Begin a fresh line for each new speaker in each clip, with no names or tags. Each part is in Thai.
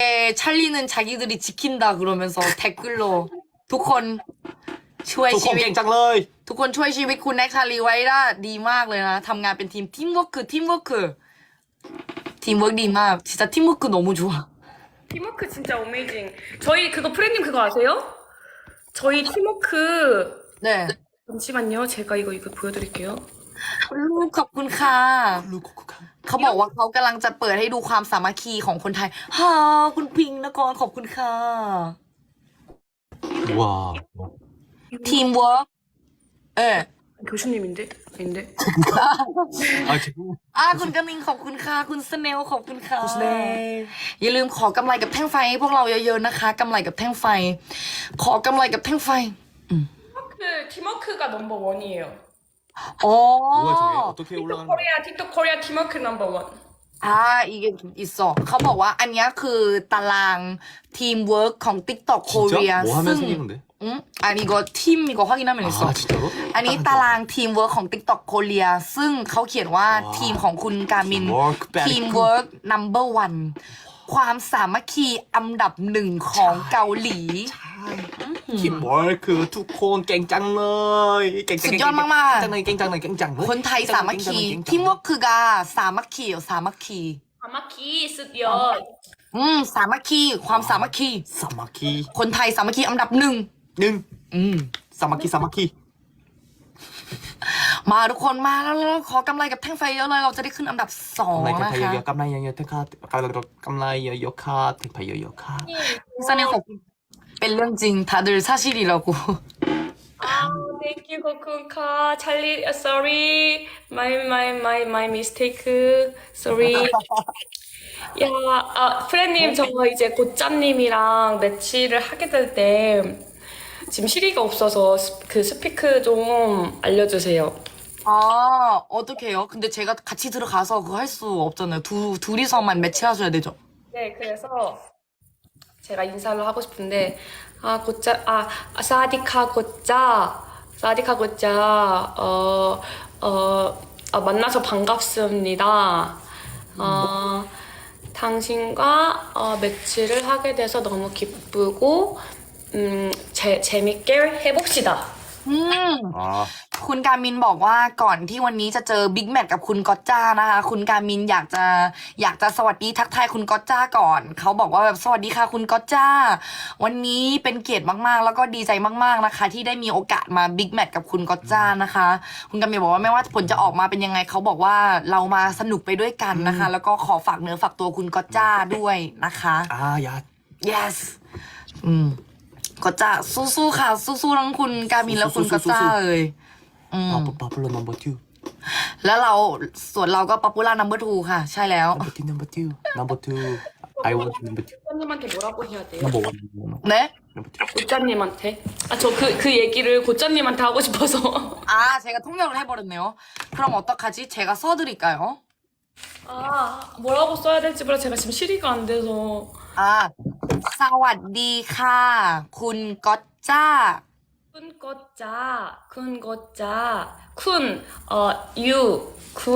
찰리는 자기들이 지킨다 그러면서 댓글로 ทุกคนช่วย
ทุกค
ชี
น
วิต
เก่งจังเลย
ทุกคนช่วยชีวิตคุณแน็กชาลีไว้ได้ดีมากเลยนะทำงานเป็นทีมเวิร์กดีมาก진짜 팀워크 너무 좋아
팀워크 진짜 어메이징. 저희 그거 프레님 그거 아세요? 저희 팀워크
네
잠시만요. 제가 이거 보여드릴게요.
ลูกขอบคุณค่ะ
ลูกคุกคัง
เขาบอกว่าเขากำลังจะเปิดให้ดูความสามัคคีของคนไทยฮ่าคุณพิงค์นกรขอบคุณค่ะ
ว้าว
ทีมเวิร์กเออ
교수님인데? 아닌데?
เอาจริง
คุณกมิงขอบคุณค่ะคุณสเนลขอบคุณค่ะ
คุณสเนล
อย่าลืมขอกำไรกับแท่งไฟให้พวกเราเยอะๆนะคะกำไรกับแท่งไฟ ขอกำไรกับแท่งไฟ
팀워크가 넘버 원이에요.
อ๋อ
뭐야 저게 어떻게 올라가는 거야
틱톡 코리아 팀워크 넘버 원.
อีกอีกสองเขาบอกว่าอันเนี้ยคือตารางทีมเวิร์กของ TikTok Korea
진짜? 뭐 하면
ซึ่ง
생기는데?
อันนี้ก็ทีม이거 확인하면 있어
아 진짜로?
อันนี้ตารางทีมเวิร์กของ TikTok Korea ซึ่งเขาเขียนว่าทีมของคุณกามิน ทีมเวิร์ก number one ความสามัคคีอันดับหนึ่งของเกาหลี
ทีมเวิร์คคือทุกคนเก่งจังเลยเก่ง
สุดยอดมากๆ
เก่งจังเลยเก่งจังเลยเก่งจังเลย
คนไทยสามัคคีทีมเวิร์กคือกาสามัคคีสามัคคี
아마키 습여.
สามัคคีความสามัคคี
สามัคคี
คนไทยสามัคคีอันดับหนึ่ง
หนึ่ง
อืม
สามัคคีสามัคคี
มาทุกคนมาแล้วขอกำไรกับแท่งไฟเยอะเลยเราจะได้ขึ้นอันดับสอง
กำไร
นะ
เย
คะ
อะๆกำไรเยอะๆทั้งค่ากำไรเยอะๆค่ะถึงไปเยอะๆค่ะ
สเนลขอบคุณเป็นเรื่องจริง다들 사실이라고
아, thank you, 코쿤카. 찰리, sorry. My mistake. Sorry. 야, 프레님, 저 이제 고짜님이랑 매치를 하게 될 때, 지금 시리가 없어서 그 스피크 좀 알려주세요.
어떻게 해요? 근데 제가 같이 들어가서 그거 할 수 없잖아요. 둘이서만 매치하셔야 되죠.
네, 그래서 제가 인사를 하고 싶은데, 사디카 고짜, 만나서 반갑습니다. 당신과 매치를 하게 돼서 너무 기쁘고, 재밌게 해봅시다.
อ๋อ
คุณการมินบอกว่าก่อนที่วันนี้จะเจอบิ๊กแมทกับคุณก๊อตจ้านะคะคุณการมินอยากจะสวัสดีทักทายคุณก๊อตจ้าก่อนเขาบอกว่าแบบสวัสดีค่ะคุณก๊อตจ้าวันนี้เป็นเกียรติมากๆแล้วก็ดีใจมากๆนะคะที่ได้มีโอกาสมาบิ๊กแมทกับคุณก๊อตจ้านะคะคุณการมินบอกว่าไม่ว่าผลจะออกมาเป็นยังไงเขาบอกว่าเรามาสนุกไปด้วยกันนะคะแล้วก็ขอฝากเนื้อฝากตัวคุณก๊อตจ้าด้วยนะคะ
ยา
yes ก็จะสู้ๆค่ะสู้ๆทั้งคุณการมินและคุณก็จ้าเลย
popular number two
แล้วส่วนเราก็ popular number 2 ค่ะ ใช่แล้ว
number two I want number two
고짜님한테 뭐라고 해야 돼요?
number one
เนะ
number two
고짜님한테? 저 그 얘기를 고짜님한테 하고 싶어서.
제가 통역을 해버렸네요. 그럼 어떡하지? 제가 써드릴까요?
뭐라고 써야 될지 몰라. 제가 지금 시리가 안 돼서.
สวัสดีค่ะ คุณก๊อตจ้า
쿤 거짜, you, 쿤.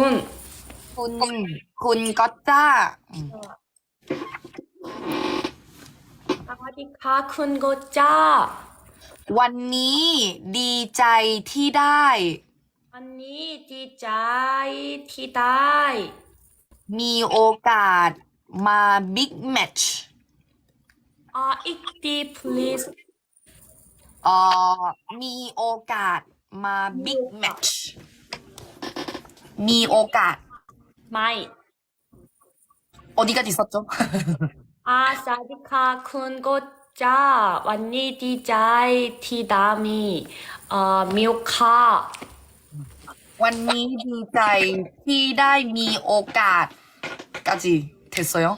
คุณก๊อตจ้า
사와디카, 쿤 거짜.
วันนี้ดีใจที่ได้
언니, 디자이, 티다이.
มีโอกาสมาบิ๊กแมทช์
익디, please.
มีโอกาสมาบิ๊กแมทช์มีโอกาส
마이.
어디까지 있었죠?
사디카, 쿤 거짜. 언니, 디자이, 티다미. 미오카.
วันนี้ดีใจที่ได้มีโอกาส까지 됐어요?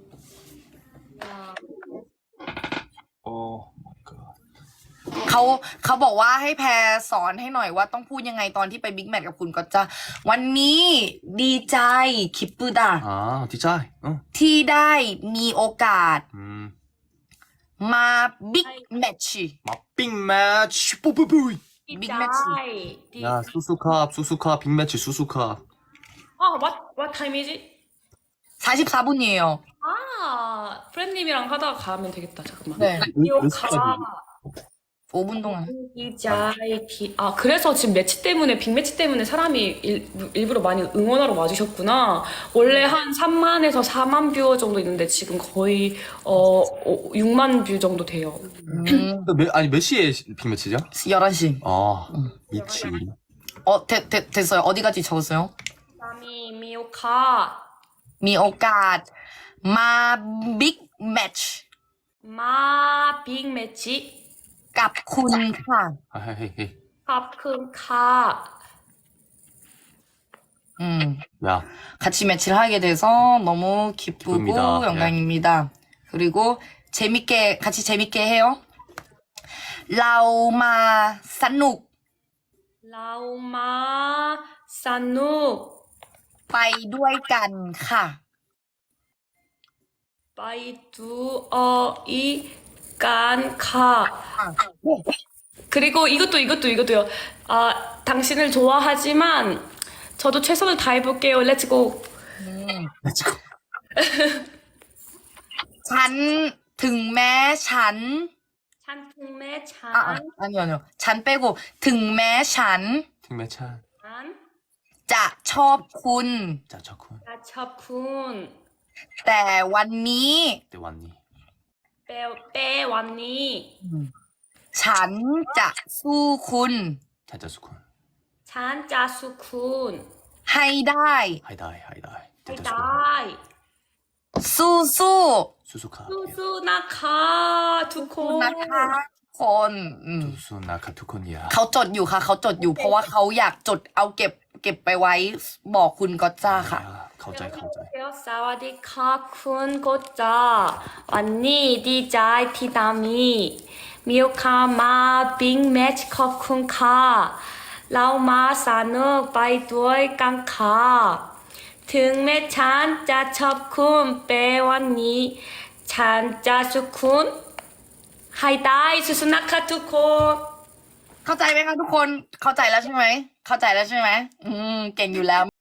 เขาบอกว่าให้แพรสอนให้หน่อยว่าต้องพูดยังไงตอนที่ไปบิ๊กแมทกับคุณก็จะวันนี้ดีใจคิปปุดา
ดีใจ
ที่ได้มีโอกาสมาบิ๊กแมทช์
มาบิ๊กแมทช์ปุ้ย
디자이.
야 수수캅 빅매치 수수캅
what time is it?
44분이에요.
아, 프렌님이랑 하다가 가면 되겠다. 잠깐만.
네.
미오카
5분 동안.
이자이티. 아, 그래서 지금 매치 때문에, 빅매치 때문에 사람이 일부러 많이 응원하러 와주셨구나. 원래 한 3만에서 4만 뷰어 정도 있는데 지금 거의 6만 뷰 정도 돼요.
아니 몇 시에 빅매치죠?
11시.
아 미치.
됐어요. 어디까지 적었어요?
다음이 미오카
มีโอกาสมาบิ๊กแมตช์
마 빅매치
กับคุณค่ะ
헤헤헤.
합금카
야
같이 매치를 하게 돼서 너무 기쁘고
기쁩니다.
영광입니다. 그리고 같이 재밌게 해요. เรามาสนุก
라우마 산누
ไปด้วยกันค่ะ
바이두어이 깐카 그리고 이것도요. 아, 당신을 좋아하지만 저도 최선을 다해볼게요. 렛츠고.
렛츠고.
ฉันถึงแม้ฉัน
찬풍매 찬.
아니요. ฉัน 빼고 ถึงแม้ฉัน
빅매찬.
จะชอบคุณ
짜차쿤.
나첩쿤.
แต่วันนี้
때 왔니?
빼왔니.
ฉันจะสู้คุณ
짜짜수쿤.
찬짜수쿤.
ให้ได้
하이다이 하이다이. 짜짜수쿤.
하이다이.
สู้สู้
수수카.
수수나카
ทุก
두콘.
นะคะคน
수수나카 투콘이야.
เขาจดอยู่ค่ะ เขาจดอยู่ เพราะว่าเขาอยากจดเอาเก็บไปไว้บอกคุณก็จ้าค่ะ
야 가오짜이 가오짜이.
사와디카 쿤 고짜 왔니 디자이 티다미 미오카마 빅매치 커쿤카 라우마 사누 바이두어이 깡카 등매 찬짜 첩쿤 빼왔니 찬짜 수쿤 하이다이 수수나카 투콘
เข้าใจไหมคะทุกคน เข้าใจแล้วใช่ไหม เข้าใจแล้วใช่ไหม เก่งอยู่แล้ว